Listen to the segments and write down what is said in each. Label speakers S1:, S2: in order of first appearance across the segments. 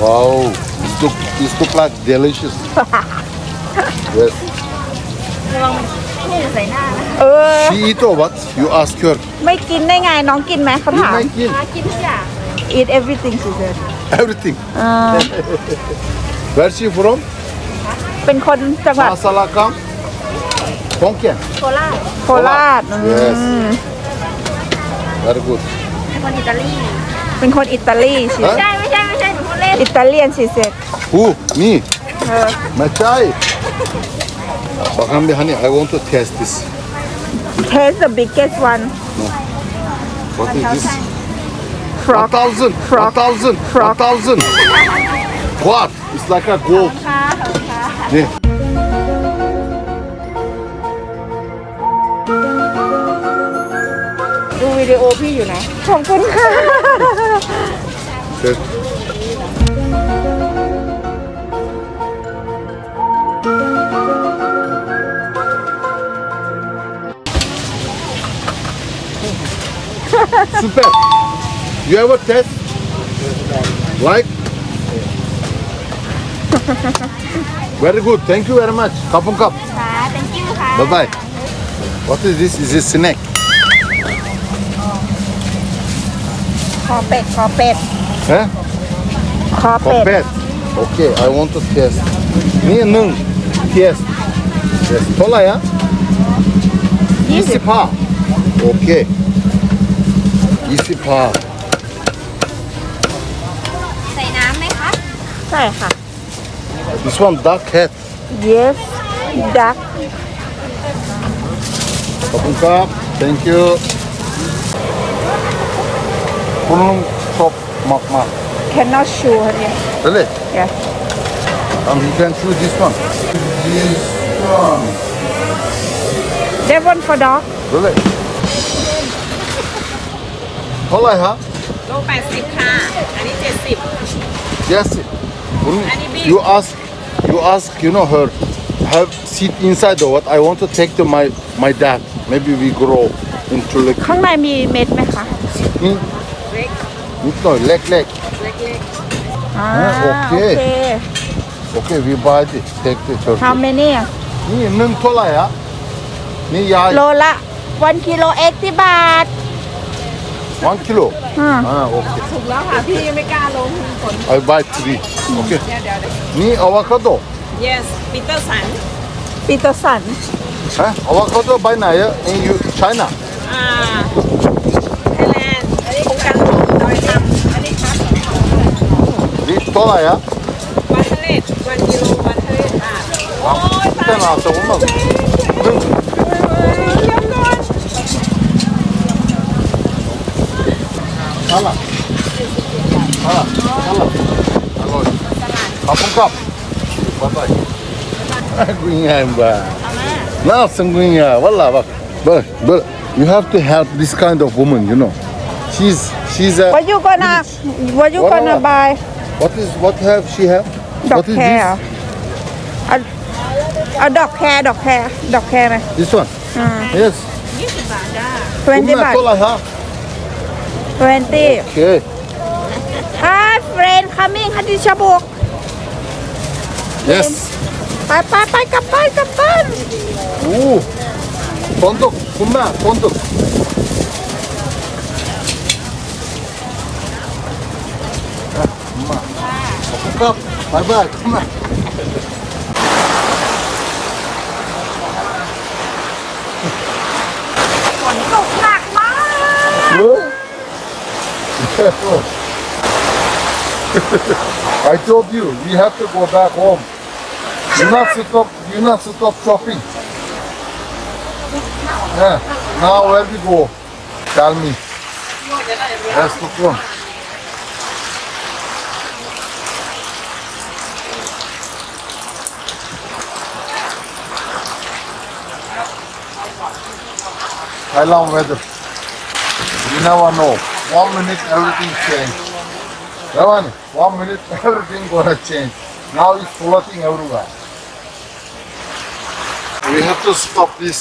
S1: Wow, this look like delicious. Yes.
S2: ระวังนี่ใส่หน้านะ
S3: เออ
S1: She eat or what? You ask her.
S3: ไม่กินได้ไงน้องกินไหมเขา
S1: You
S3: ถาม
S1: make it.
S2: กินทุกอย่าง
S3: eat everything she said
S1: Everything.
S3: อ่า
S1: Where she from?
S3: เป็นคนจังหวัด
S1: Masalakam. Konken.
S2: โคราช
S3: โคราช
S1: Yes.
S3: อืม
S1: Very good.
S2: เป็นคนอิตาลี
S3: เป็นคนอิตาลีสิ
S1: ฮะ
S2: ไม่ใช่หนูพูดเล่น
S3: อิตาเลียนสิเสร็จ
S1: Who? Me.
S3: เออ
S1: Machai. Bakalım bir hani I want to test this.
S3: taste the biggest one
S1: What is this?
S3: frog
S1: 1,000.
S3: Frog.
S1: 1,000.
S3: Frog.
S1: 1,000. What? It's like a gold.
S2: ค่ะ
S1: Yeah.
S3: ดูวิดีโอพี่อยู่นะ ขอบคุณค่ะ
S1: Yes. Super. You ever test? Like? Very good. Thank you very much. Kapun kap.
S2: ค่ะ thank you ค่ะ
S1: Bye bye. What is this? Is it snack?
S3: คอเป็ด คอเป็ด
S1: Huh?
S3: คอเป็ด
S1: Kopet. Okay, I want to test. Niye nung? Test. Yes. Tola ya. 20 pa. Okay. 20 pa.
S2: ใส่น้ำไหมคะ
S3: ใช่ค่ะ
S1: This one duck head.
S3: yes duck
S1: Kapun kap. Thank you. Bunun top makma.
S3: cannot chew เนี่ย
S1: Really?
S3: yeah
S1: You can choose this one. This one.
S3: that one for dog
S1: Really? Tola ya.
S2: โล80ค่ะ อันนี้70
S1: Yes. Bunun-
S2: Any big?
S1: You ask, you know, her have seat inside or what? I want to take to my dad. Maybe we grow into like
S3: ข้างในมีเม็ดไหมคะ
S1: hmm?
S2: เล็ก
S1: No, leg.
S2: เล็ก
S3: อ่า
S1: โอเค
S3: โอเค
S1: Okay, we buy it. Take the turkey.
S3: how many อ่ะ
S1: นี่นึ่งเท่าไหร่อะนี่ยาย
S3: โลละ1กิโล80 บาท
S1: 1 kilo.
S3: อืม
S1: Okay.
S2: ๆถูกแล้วค่ะ พี่ไม่กล้าลงฝน
S1: I buy 3. Okay.
S2: เดี๋ยว
S1: นี่อะโวคาโด
S2: yes ปีเตอร์สัน
S3: ปีเตอร์สัน
S1: ฮะอะโวคาโด by ไหนอะ in China
S2: ไทยแลนด์อันนี้โครงการของดอยคำอันนี้ครับ
S1: นี่เท่าไหร่อะ
S2: 1 กิโล1 กิโล1 บาทโอ้ยตาย
S1: แต่น่าจะอุ่นมากนึ่ง
S2: เดี๋ยวก่อน
S1: อะไรอร่อยขอบคุณครับบ๊ายบายกุยงามบ้าน่าสงกุยงามวัลล่ะบักbut you have to help this kind of woman, you know. She's a
S3: what you gonna
S1: What?
S3: buy
S1: what have she have?
S3: ดอก
S1: What is
S3: แคร์
S1: this?
S3: เอาดอกแคร์ไหม
S1: This one? Yes.
S2: 20 บาทจ้า
S3: 20 บาท
S1: เท่าไหร่ฮะ
S3: 20
S1: Okay.
S3: Hi friend coming ฮันดิชาบุก
S1: Yes.
S3: ไปกลับบ้าน
S1: Oo. Fonduk. Kumma. Fonduk. Kumma. Kap. Bye bye. Kumma.
S3: ฝนตกหนักมาก
S1: I told you, we have to go back home. You not stop shopping. Yeah. Now where we go? Tell me. Let's look on. Thailand weather. You never know. 1 minute everything change. Evan, 1 minute everything gonna change. Now it's floating everywhere. We have to stop this.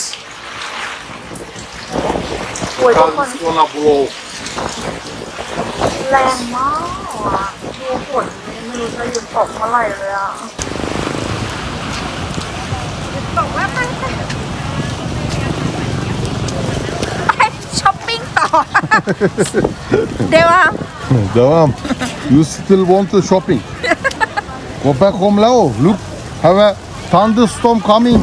S1: Because it's gonna blow.
S3: แรงมากอ่ะดูฝนเลยไม่รู้จะหยุดตกเมื่อไหร่เลยอ่ะหยุดตกแล้วมันไปช้อปปิ้งต่อ เดี๋ยว
S1: Devam. You still want the shopping? Go back home now. Look, have a thunderstorm coming.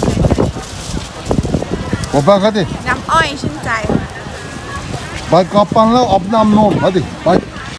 S1: Go back hadi.
S3: น้ำอ้อยชื่นใจ
S1: Bay kapan la abnam non. Hadi. Bay.